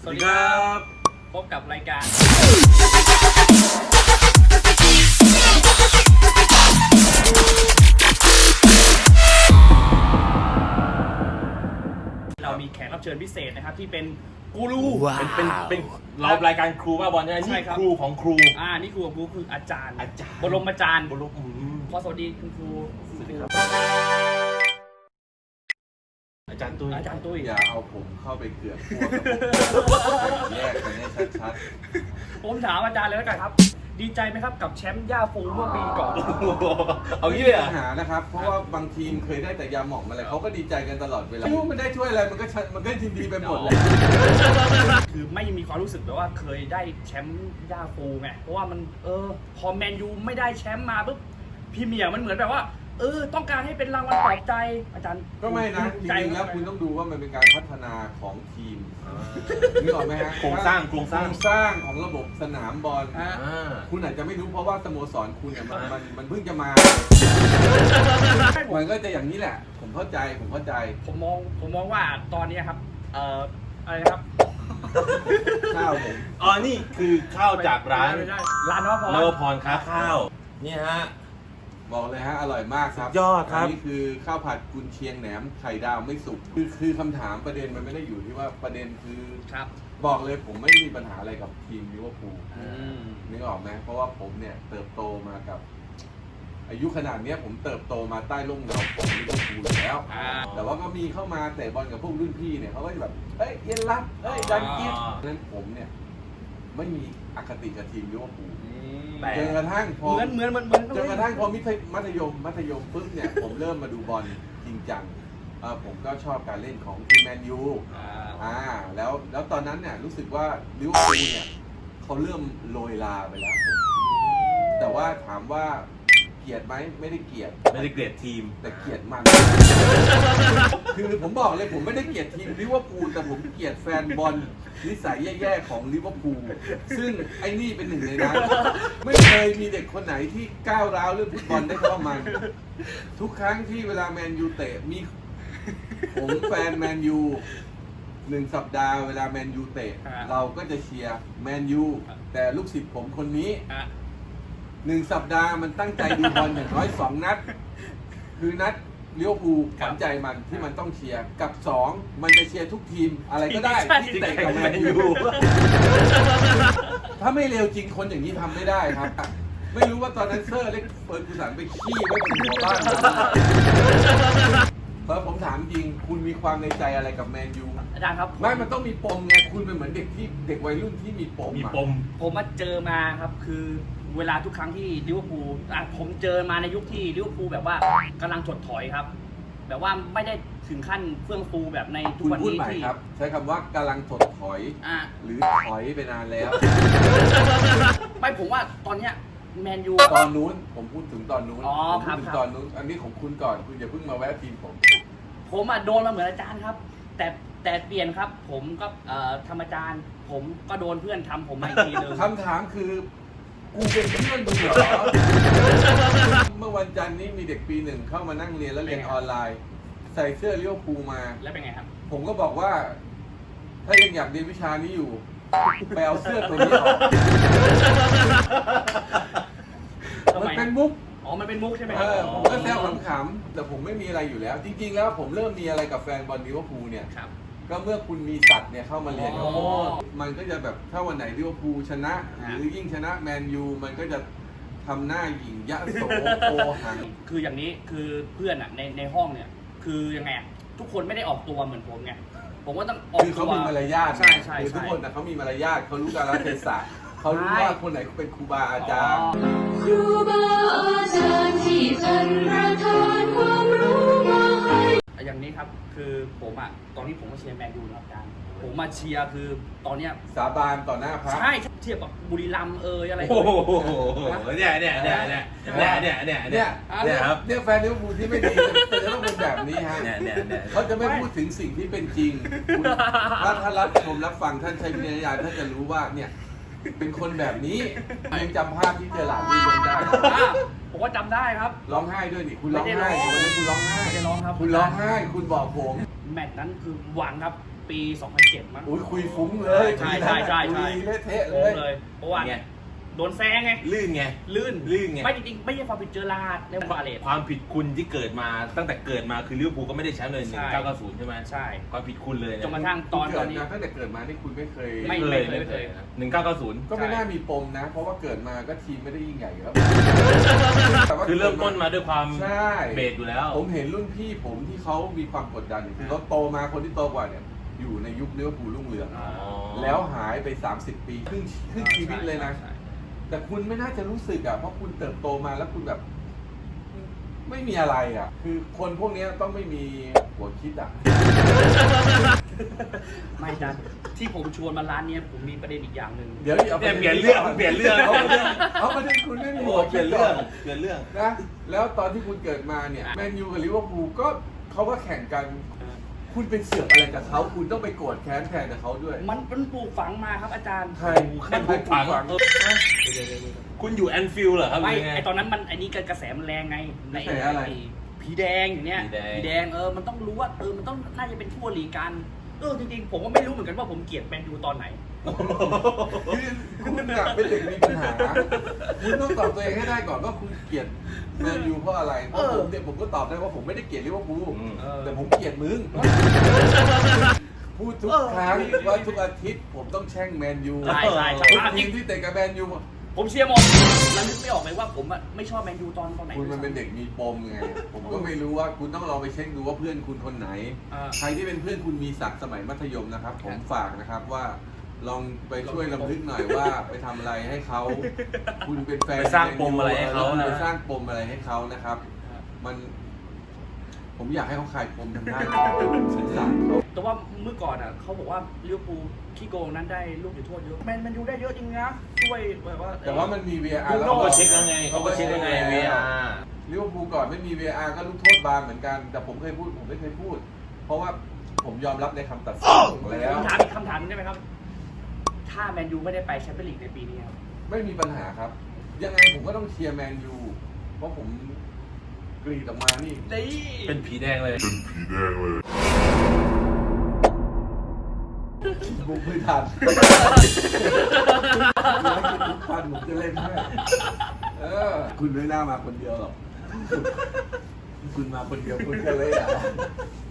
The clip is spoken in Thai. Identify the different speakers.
Speaker 1: สวัสดีครับพบกับรายการเรามีแขกรับเชิญพิเศษนะครับที่เป็นกูรู
Speaker 2: เป็นเรารายการครูว่าบอลใช่ไหมนี่ครูของครู
Speaker 1: นี่ครูของครูคืออาจารย์บรมอาจารย์ขอสวัสดีคุณครู
Speaker 2: สวัสดีครับอาจารย์ตุ้ย
Speaker 3: อย่าเอาผมเข้าไปเกือกพวกแยกกันให้ชัด
Speaker 1: ๆผมถามอาจารย์เลยแล้วกันครับดีใจไหมครับกับแชมป์ย่าฟูเมื่อปีก่อน
Speaker 3: เอางี้เลยปัญหานะครับเพราะว่าบางทีมเคยได้แต่ยาหม่องอะไรเขาก็ดีใจกันตลอดเวลาไม่รู้มันได้ช่วยอะไรมันก็ยินดีไปหมดเลย
Speaker 1: คือไม่มีความรู้สึกแบบว่าเคยได้แชมป์ย่าฟูไงเพราะว่ามันพอแมนยูไม่ได้แชมป์มาปุ๊บพี่เมียมันเหมือนแบบว่าต้องการให้เป็นรางวัลปลอบใจอาจารย์
Speaker 3: ก็ไม่นะจริงๆแล้วคุณต้องดูว่ามันเป็นการพัฒนาของทีมนึกออกไหมฮะ
Speaker 2: โครงสร้าง
Speaker 3: ของระบบสนามบอลคุณอาจจะไม่รู้เพราะว่าสโมสรคุณเนี่ยมันเพิ่งจะมามันก็จะอย่างนี้แหละผมเข้าใจ
Speaker 1: ผมมองว่าตอนนี้ครับอะไรครับ
Speaker 3: ข้าวผม
Speaker 2: นี่คือข้าวจากร้าน
Speaker 1: นว
Speaker 2: พรค้าข้าวนี่ฮะ
Speaker 3: บอกเลยฮะอร่อยมากครับ
Speaker 2: ยอดครับ
Speaker 3: นี่คือข้าวผัดกุนเชียงแหนมไข่ดาวไม่สุกคือคำถามประเด็นมันไม่ได้อยู่ที่ว่าประเด็นคือ
Speaker 1: ครับ
Speaker 3: บอกเลยผมไม่มีปัญหาอะไรกับทีมลิเวอร์พูลนึกออกไหมเพราะว่าผมเนี่ยเติบโตมากับอายุขนาดนี้ผมเติบโตมาใต้ร่มเงาของลิเวอร์พูลแล้วแต่ว่าก็มีเข้ามาเตะบอลกับพวกรุ่นพี่เนี่ยเขาก็จะแบบเฮ้ยเย็นรักเฮ้ยดันกินนั้นผมเนี่ยไม่มีอคติกับทีมลิเวอร์พูลจนกระทั่งพอ
Speaker 1: เหมือน
Speaker 3: จนกระทั่งพอมัธยมปุ๊บเนี่ยผมเริ่มมาดูบอลจริงจังผมก็ชอบการเล่นของทีมแมนยูแล้วตอนนั้นเนี่ยรู้สึกว่าลิเวอร์พูลเนี่ยเขาเริ่มโรยลาไปแล้วแต่ว่าถามว่าเกลียดไหมไม่ได้เกลียด
Speaker 2: ทีม
Speaker 3: แต่เกลียดมันคือผมบอกเลยผมไม่ได้เกลียดทีมลิเวอร์พูลแต่ผมเกลียดแฟนบอลนิสัยแย่ๆของลิเวอร์พูลซึ่งไอ้นี่เป็นหนึ่งในนั้นไม่เคยมีเด็กคนไหนที่ก้าวร้าวเรื่องฟุตบอลได้เท่ามันทุกครั้งที่เวลาแมนยูเตะมีผมแฟนแมนยู1 สัปดาห์เวลาแมนยูเตะเราก็จะเชียร์แมนยูแต่ลูกศิษย์ผมคนนี้1 สัปดาห์มันตั้งใจดูบอลอย่างน้อย2 นัดคือนัดลิเวอร์พูลขวัญใจมันที่มันต้องเชียร์กับ2มันจะเชียร์ทุกทีมอะไรก็ได้ที่เตะกับแมนยูถ้าไม่เร็วจริงคนอย่างนี้ทำไม่ได้ครับไม่รู้ว่าตอนนั้นเซอร์เล็กเฟิร์กูสันไปขี้ไว้บนหัวบ้านผมถามจริงคุณมีความในใจอะไรกับแมนยู
Speaker 1: อาจารย์ครับ
Speaker 3: ไม่มันต้องมีปมไงคุณเป็นเหมือนเด็กวัยรุ่นที่มีปม
Speaker 1: ผมมาเจอมาครับคือเวลาทุกครั้งที่ลิเวอร์พูลผมเจอมาในยุคที่ลิเวอร์พูลแบบว่ากำลังถดถอยครับแบบว่าไม่ได้ถึงขั้นเฟื่องฟูแบบในทุกวันนี้ที่
Speaker 3: ใช้คำว่ากำลังถดถอยหรือถอยไปนานแล้ว
Speaker 1: ไม่ผมว่าตอนเนี้ยแมนยู
Speaker 3: ตอนนู้นผมพูดถึงตอนนู้น
Speaker 1: ครับ
Speaker 3: ตอนนู้นอันนี้ของคุณก่อนคุณอย่าเพิ่งมาแวะทีมผม
Speaker 1: โดนมาเหมือนอาจารย์ครับแต่เปลี่ยนครับผมก็ทำอาจารย์ผมก็โดนเพื่อนทำผมมาอีกทีนึง
Speaker 3: คำถามคือกูเป็นเพื่อนมึงเหรอเมื่อวันจันทร์นี้มีเด็กปี 1เข้ามานั่งเรียนแล้วเรียนออนไลน์ใส่เสื้อลิเวอร์พูลมา
Speaker 1: แล้วเป็นไงครับ
Speaker 3: ผมก็บอกว่าถ้ายังอยากเรียนวิชานี้อยู่ไปเอาเสื้อตัวนี้ออกมันเป็นมุก
Speaker 1: มันเป็นมุกใช่ไหม
Speaker 3: ผมก็แซวขำๆแต่ผมไม่มีอะไรอยู่แล้วจริงๆแล้วผมเริ่มมีอะไรกับแฟนบอลลิเวอร์พูลเนี่ยก็เมื่อคุณมีสัตว์เนี่ยเข้ามาเรียนมันก็จะแบบถ้าวันไหนลิเวอร์พูลชนะหรือยิ่งชนะแมนยูมันก็จะทำหน้าหยิ่งยะโสโอหัง
Speaker 1: คืออย่างนี้คือเพื่อนอ่ะในห้องเนี่ยคือยังไงทุกคนไม่ได้ออกตัวเหมือนผมไงผมก็ต้องออกตัว
Speaker 3: คือเขามีมารยาท
Speaker 1: ใช่
Speaker 3: คือทุกคนเขามีมารยาทเขารู้กาลเทศะเขารู้ว่าคนไหนเป็นครูบาอาจารย์
Speaker 4: ครูบาอาจารย์ที่ท่านประทานความรู้มาให้
Speaker 1: อย่างนี้ครับคือผมอ่ะตอนนี้ผมก็เชียร์แมนยูนะครับอาจารย์ผมมาเชียร์คือตอนเนี้ย
Speaker 3: สาบานต่อหน้าพระ
Speaker 1: ใช่เทียบกับบุรีรัมย์อะไร
Speaker 2: โอ้โหเนี่ยครับ
Speaker 3: เนี่ยแฟนลิเวอร์พูลที่ไม่ดีแต่จะต้องเป็นแบบนี้ฮะเขาจะไม่พูดถึงสิ่งที่เป็นจริงถ้าท่านรับชมรับฟังท่านใช้วิญญาณท่านจะรู้ว่าเนี่ยเป็นคนแบบนี้ยังจำภาพที่เจอหลานวีลงได้
Speaker 1: ผมว่าจำได้ครับ
Speaker 3: ร้องไห้ด้วยนี่คุณร้องไห้วันนี้คุณร้องไห้
Speaker 1: ไม่ได้ร้องครับ
Speaker 3: คุณร้องไห้คุณบอกผม
Speaker 1: แมตช์นั้นคือหวังครับปี 2007 มั้ง
Speaker 3: อุ้ยคุยฟุ้งเลย
Speaker 1: ใช่ใช่ใช่ใช่
Speaker 3: คุยเละเทะเล
Speaker 1: โอ้
Speaker 3: ย
Speaker 1: เลยเพราะว่า
Speaker 2: ไง
Speaker 1: โดนแซงไง
Speaker 2: ลื่นไง
Speaker 1: ลื่น
Speaker 2: ลื่นไง
Speaker 1: ไม่จริงๆไม่ใช่ความผิดเจอราร์ดในวาเลต
Speaker 2: ความผิดคุณที่เกิดมาตั้งแต่เกิดมาคือลิเวอร์พูลก็ไม่ได้แชมป์เลย
Speaker 1: ใช่
Speaker 2: 1990 ใช่ไหม
Speaker 1: ใช่
Speaker 2: ความผิดคุณเลย
Speaker 1: จนก
Speaker 2: นะ
Speaker 1: ระทั่งตอนนี้
Speaker 3: ตั้งแต่เกิดมานี่คุณไม่เคย
Speaker 1: ไม่
Speaker 2: ไม่เคยนะ1990
Speaker 3: ก็ไม่น่ามีปมนะ เพราะว่าเกิดมาก็ทีมไม่ได้ยิ่งใหญ่อยู่แล้วแต่ว่า
Speaker 2: คือเริ่มต้นมาด้วยความ
Speaker 3: ใช่
Speaker 2: เบสอยู่แล้ว
Speaker 3: ผมเห็นรุ่นพี่ผมที่เขามีความกดดันคือเขาโตมาคนที่โตกว่าเนี่ยอยู่ในยุคลิเวอร์พูลรุ่งเรือง
Speaker 2: อ๋อ
Speaker 3: แล้วหายไป 30 ปีครึ่งชีวิตเลยนะ
Speaker 1: ใช่
Speaker 3: แต่คุณไม่น่าจะรู้สึกอ่ะเพราะคุณเติบโตมาแล้วคุณแบบ ไม่มีอะไรอ่ะ คือคนพวกเนี้ยต้องไม่มีหัวคิดอ่ะ
Speaker 1: ไม่ดันที่ผมชวนมาร้านเนี้ยผมมีประเด็นอีกอย่างหนึ่ง
Speaker 3: เดี๋ยวอา
Speaker 2: เนี่ยเปลี่ยนเรื่องเปลี่ยนเรื่อง
Speaker 3: เอาประเด็นคุณไม่มี
Speaker 2: โอ้
Speaker 3: หัว
Speaker 2: เปลี่
Speaker 3: คิ
Speaker 2: ย
Speaker 3: ด
Speaker 2: น
Speaker 3: ก่
Speaker 2: เรื่
Speaker 3: อ
Speaker 2: อน งเปลี่ยนเรื่อง
Speaker 3: นะแล้วตอนที่คุณเกิดมาเนี่ยแมนยูกับลิเวอร์พูลก็เขาก็แข่งกัน คุณเป็นเสือกอะไรกับเขาคุณต้องไปโกรธแค้นแทนกับเขาด้วย
Speaker 1: มันปลูกฝังมาครับอาจารย์
Speaker 3: ใคร
Speaker 2: ใครปลูกฝัง คุณอยู่แอนฟิลด์เหรอครับ
Speaker 1: ไม่
Speaker 2: หรือยังไง
Speaker 1: ไอตอนนั้นมันไอนี้กระแสมันแรงไงใน
Speaker 3: กระแสอะไร
Speaker 1: ผีแดงอย่างเนี้ย
Speaker 2: ผีแดง
Speaker 1: มันต้องรู้ว่ามันต้องน่าจะเป็นทั่วลีกันจริงๆผมก็ไม่รู้เหมือนกันว่าผมเกลียดแมนยูตอนไหน
Speaker 3: คือคุณอะเป็นเด็กมีปัญหา คุณต้องตอบตัวเองให้ได้ก่อนว่าคุณเกลียดแมนยูเพราะอะไรเพราะผมเนี่ยผมก็ตอบได้ว่าผมไม่ได้เกลียดลิเวอร์พูล
Speaker 2: อืม
Speaker 3: แต่ผมเกลียดมึง พูดทุกครั้งว่าทุกอาทิตย์ผมต้องแช่งแมนยู
Speaker 1: ใช่ใช่ใช่
Speaker 3: ทุกทีมที่เตะกับแมนยู
Speaker 1: ผมเชียร์หมดแล้วนึกไม่ออกเลยว่าผมอะไม่ชอบแมนยูตอนไหน
Speaker 3: คุณมันเป็นเด็กมีปมไง ผมก็ไม่รู้ว่าคุณต้องลองไปเช็คดูว่าเพื่อนคุณคนไหน ใครที่เป็นเพื่อนคุณมีศักดิ์สมัยมัธยมนะครับ ผมฝากนะครับว่า ลองไปช่วยลำลึกหน่อยว่าไปทำอะไรให้เขา คุณเป็นแฟน
Speaker 2: ไปสร้างปมอะไรให้เขานะ
Speaker 3: ไปสร้างปมอะไรให้เขานะครับ มัน ผมอยากให้เขาคลายปมทางด้านสงสารเขา
Speaker 1: แต่ว่าเมื่อก่อนอะเขาบอกว่าลิเวอร์พูลขี้โกงนั้นได้ลูกจุดโทษเยอะแมนยูได้เยอะจริงนะช่วยแบบว่า
Speaker 3: แต่ว่ามันมี VAR
Speaker 1: ลูก
Speaker 3: แล้ว
Speaker 1: โน่
Speaker 2: เขาก็เช็คยังไงเขาก็เช็คยังไง VR
Speaker 3: ลิเวอร์พูลก่อนไม่มี VAR ก็ลูกโทษบานเหมือนกัน แต่ผมเคยพูดผมไม่เคยพูด เพราะว่าผมยอมรับในคำตัดสินแล้ว
Speaker 1: ผมถามอีกคำถามหนึงได้ไหมครับ ถ้าแมนยูไม่ได้ไปแชมเปี้ยนลีกในปีนี้ครับ
Speaker 3: ไม่มีปัญหาครับ ยังไงผมก็ต้องเชียร์แมนยู เพราะผมกรีดออกมานี่
Speaker 1: นี่
Speaker 2: เป็นผีแดงเลย
Speaker 3: บุกไม่ทันทุกพันผมจะเล่นให้คุณไม่น่ามาคนเดียวหรอก คุณมาคนเดียวคุณก็เลยอ่ะ